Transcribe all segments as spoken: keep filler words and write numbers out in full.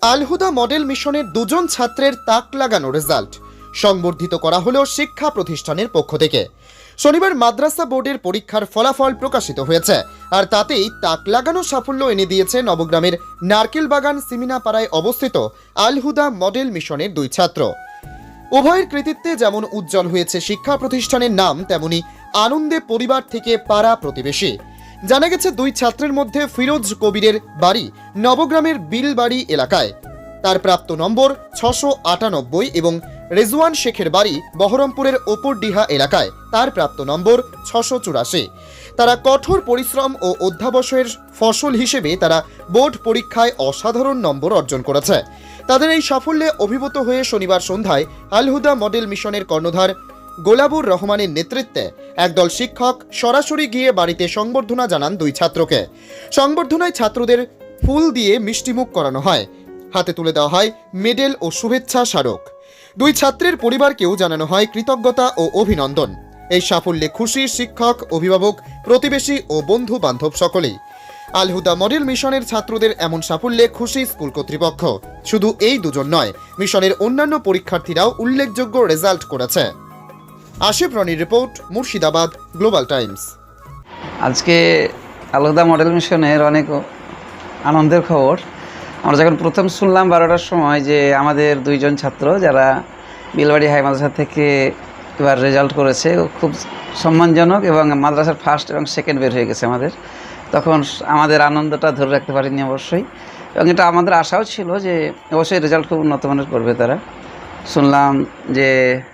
আল-হুদা model মিশনের দুজন ছাত্রের তাক লাগানো রেজাল্ট সংবর্ধিত করা হলো শিক্ষা প্রতিষ্ঠানের পক্ষ থেকে। শনিবার মাদ্রাসা বোর্ডের পরীক্ষার ফলাফল প্রকাশিত হয়েছে, আর তাতেই তাক লাগানো সাফল্য এনে দিয়েছে নবগ্রামের নারকেলবাগান সিমিনাপাড়ায় অবস্থিত আল-হুদা মডেল মিশনের দুই ছাত্র। উভয়ের কৃতিত্বে যেমন উজ্জ্বল হয়েছে শিক্ষা প্রতিষ্ঠানের নাম, তেমনি আনন্দে পরিবার থেকে পাড়া প্রতিবেশী। জানা গেছে, দুই ছাত্রের মধ্যে ফিরোজ কবিরের বাড়ি নবগ্রামের বিলবাড়ি এলাকায়, তার প্রাপ্ত নম্বর ছশো আটানব্বই এবং রেজওয়ান শেখের বাড়ি বহরমপুরের ওপরডিহা এলাকায়, তার প্রাপ্ত নম্বর ছশো চুরাশি। তারা কঠোর পরিশ্রম ও অধ্যাবসায়ের ফসল হিসেবে তারা বোর্ড পরীক্ষায় অসাধারণ নম্বর অর্জন করেছে। তাদের এই সাফল্যে অভিভূত হয়ে শনিবার সন্ধ্যায় আল-হুদা মডেল মিশনের কর্ণধার গোলাবুর রহমানের নেতৃত্বে একদল শিক্ষক সরাসরি গিয়ে বাড়িতে সংবর্ধনা জানান দুই ছাত্রকে। সংবর্ধনায় ছাত্রদের ফুল দিয়ে মিষ্টিমুখ করানো হয়, হাতে তুলে দেওয়া হয় মেডেল ও শুভেচ্ছা স্মারক। দুই ছাত্রের পরিবারকেও জানানো হয় কৃতজ্ঞতা ও অভিনন্দন। এই সাফল্যে খুশি শিক্ষক, অভিভাবক, প্রতিবেশী ও বন্ধু বান্ধব সকলেই। আল-হুদা মডেল মিশনের ছাত্রদের এমন সাফল্যে খুশি স্কুল কর্তৃপক্ষ। শুধু এই দুজন নয়, মিশনের অন্যান্য পরীক্ষার্থীরাও উল্লেখযোগ্য রেজাল্ট করেছে। আশিফ রনির রিপোর্ট, মুর্শিদাবাদ গ্লোবাল টাইমস। আজকে আল-হুদা মডেল মিশনের অনেক আনন্দের খবর। আমরা যখন প্রথম শুনলাম বারোটার সময় যে আমাদের দুইজন ছাত্র যারা বিলবাড়ি হাই মাদ্রাসা থেকে এবার রেজাল্ট করেছে, খুব সম্মানজনক এবং মাদ্রাসার ফার্স্ট এবং সেকেন্ড বের হয়ে গেছে আমাদের, তখন আমাদের আনন্দটা ধরে রাখতে পারিনি অবশ্যই, এবং এটা আমাদের আশাও ছিল যে অবশ্যই রেজাল্ট খুব উন্নত মানের করবে তারা। শুনলাম যে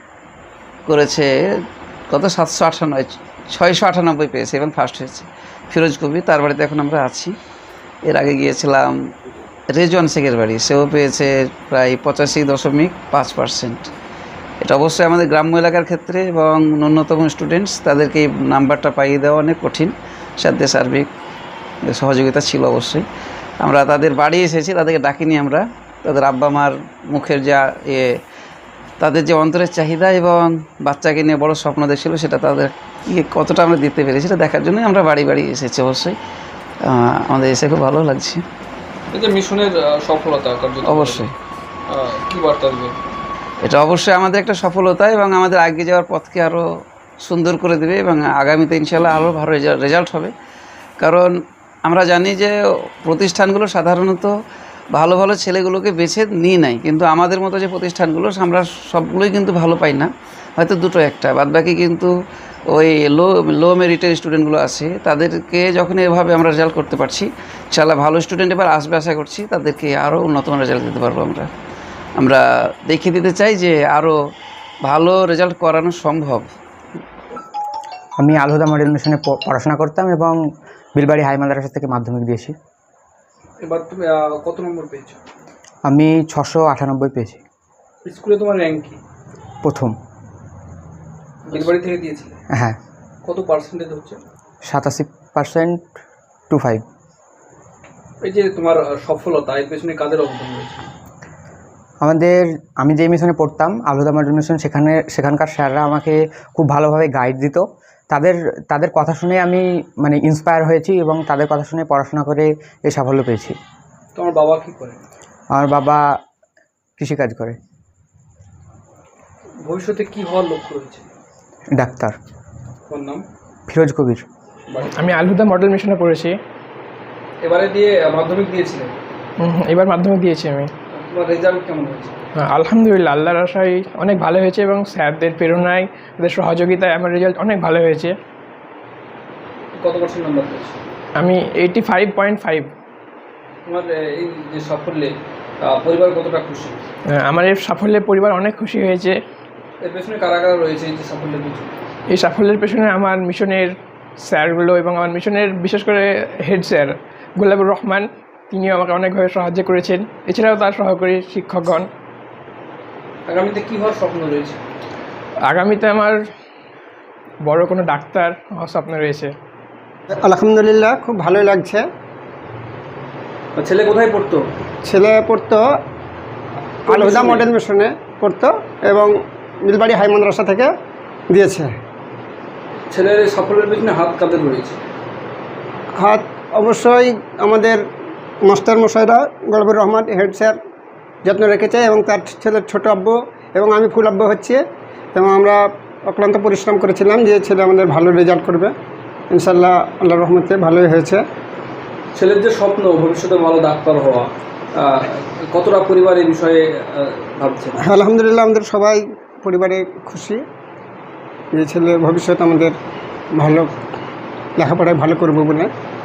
করেছে কত সাতশো আটানব্বই ছয়শো আটানব্বই পেয়েছে এবং ফার্স্ট হয়েছে ফিরোজ কবি, তার বাড়িতে এখন আমরা আছি। এর আগে গিয়েছিলাম রেজওয়ান শেখের বাড়ি, সেও পেয়েছে প্রায় পঁচাশি দশমিক পাঁচ পার্সেন্ট। এটা অবশ্যই আমাদের গ্রাম্য এলাকার ক্ষেত্রে এবং ন্যূনতম স্টুডেন্টস তাদেরকে এই নাম্বারটা পাইয়ে দেওয়া অনেক কঠিন, সাথে সার্বিক সহযোগিতা ছিল অবশ্যই। আমরা তাদের বাড়ি এসেছি, তাদেরকে ডাকিনি আমরা, তাদের আব্বা মার মুখের যা এ তাদের যে অন্তরের চাহিদা এবং বাচ্চাকে নিয়ে বড় স্বপ্ন দেখছিল, সেটা তাদের কি কতটা আমরা দিতে পেরেছি সেটা দেখার জন্যই আমরা বাড়ি বাড়ি এসেছি। অবশ্যই আমাদের এসে খুব ভালো লাগছে। এই যে মিশনের সফলতা অবশ্যই কি বার্তা দেবে? এটা অবশ্যই আমাদের একটা সফলতা এবং আমাদের আগে যাওয়ার পথকে আরও সুন্দর করে দেবে এবং আগামীতে ইনশাআল্লাহ আরও ভালো রেজাল্ট হবে। কারণ আমরা জানি যে প্রতিষ্ঠানগুলো সাধারণত ভালো ভালো ছেলেগুলোকে বেছে নিয়ে নেয়, কিন্তু আমাদের মতো যে প্রতিষ্ঠানগুলো আমরা সবগুলোই কিন্তু ভালো পাই না, হয়তো দুটো একটা, বাদবাকি কিন্তু ওই লো লো মেরিটের স্টুডেন্টগুলো আছে, তাদেরকে যখন এভাবে আমরা রেজাল্ট করতে পারছি, ইনশাআল্লাহ ভালো স্টুডেন্ট এবার আসবে আশা করছি, তাদেরকে আরও উন্নত মানের রেজাল্ট দিতে পারবো। আমরা আমরা দেখিয়ে দিতে চাই যে আরও ভালো রেজাল্ট করানো সম্ভব। আমি আল-হুদা মডেল মিশনে পড়াশোনা করতাম এবং বিলবাড়ি হাই মাদ্রাসা থেকে মাধ্যমিক দিয়েছি। এবার তুমি কত নম্বর পেয়েছো? আমি ছশো আটানব্বই পেয়েছি। স্কুলে তোমার র্যাঙ্ক কি? প্রথম। বিলবাড়ি থেকে দিয়েছিলে? হ্যাঁ। কত পার্সেন্টেজ হচ্ছে? সাতাশি পার্সেন্ট টু ফাইভ। এই যে তোমার সফলতা, এর পেছনে কাদের অবদান রয়েছে? আমাদের আমি যে মিশনে পড়তাম আল-হুদা মডেল মিশন, সেখানে সেখানকার স্যাররা আমাকে খুব ভালোভাবে গাইড দিত। তাদের তাদের কথা শুনে আমি মানে ইন্সপায়ার হয়েছি এবং তাদের কথা শুনে পড়াশোনা করে এই সাফল্য পেয়েছি। তোমার বাবা কী করে? আমার বাবা কৃষিকাজ করে। ভবিষ্যতে কি হওয়ার লক্ষ্য রয়েছে? ডাক্তার। তোমার নাম? ফিরোজ কবির। আমি আল-হুদা মডেল মিশনে পড়েছি। এবারে দিয়ে মাধ্যমিক দিয়েছিলেন? এবার মাধ্যমিক দিয়েছি আমি। তোমার রেজাল্ট কেমন হয়েছে? আলহামদুলিল্লাহ, আল্লাহর আশায় অনেক ভালো হয়েছে এবং স্যারদের প্রেরণায়, তাদের সহযোগিতায় আমার রেজাল্ট অনেক ভালো হয়েছে। কত পার্সেন্ট নাম্বার পেয়েছো? আমি এইটি ফাইভ পয়েন্ট ফাইভ। তোমার এই যে সাফল্যে পরিবার কতটা খুশি? আমার এই সাফল্যে পরিবার অনেক খুশি হয়েছে। এর পেছনে কারা কারা রয়েছে এই যে সাফল্যের পেছনে? এই সাফল্যের পেছনে আমার মিশনের স্যারগুলো এবং আমার মিশনের বিশেষ করে হেড স্যার গোলাবুর রহমান, তিনিও আমাকে অনেকভাবে সাহায্য করেছেন, এছাড়াও তার সহকারী শিক্ষকগণ। আগামীতে কী হওয়ার স্বপ্ন রয়েছে? আগামীতে আমার বড় কোনো ডাক্তার হওয়ার স্বপ্ন রয়েছে। আলহামদুলিল্লাহ, খুব ভালোই লাগছে। ছেলে কোথায় পড়তো? ছেলে পড়তো আল-হুদা মডেল মিশনে পড়তো এবং বিলবাড়ি হাই মাদ্রাসা থেকে দিয়েছে। ছেলের সাফল্যের পেছনে হাত কাদের রয়েছে? হাত অবশ্যই আমাদের মাস্টার মশাইরা, গোলাবুর রহমান হেড স্যার যত্ন রেখেছে এবং তার ছেলের ছোট আব্বু এবং আমি ফুল আব্বু হচ্ছে এবং আমরা অক্লান্ত পরিশ্রম করেছিলাম যে ছেলে আমাদের ভালো রেজাল্ট করবে। ইনশাল্লাহ আল্লাহর রহমতে ভালোই হয়েছে। ছেলের যে স্বপ্ন ভবিষ্যতে ভালো ডাক্তার হওয়া, আহ, কতটা পরিবার এই বিষয়ে আহ, ভাবছে? আলহামদুলিল্লাহ আমাদের সবাই পরিবারে খুশি যে ছেলে ভবিষ্যৎ আমাদের ভালো লেখাপড়ায় ভালো করবো বলে।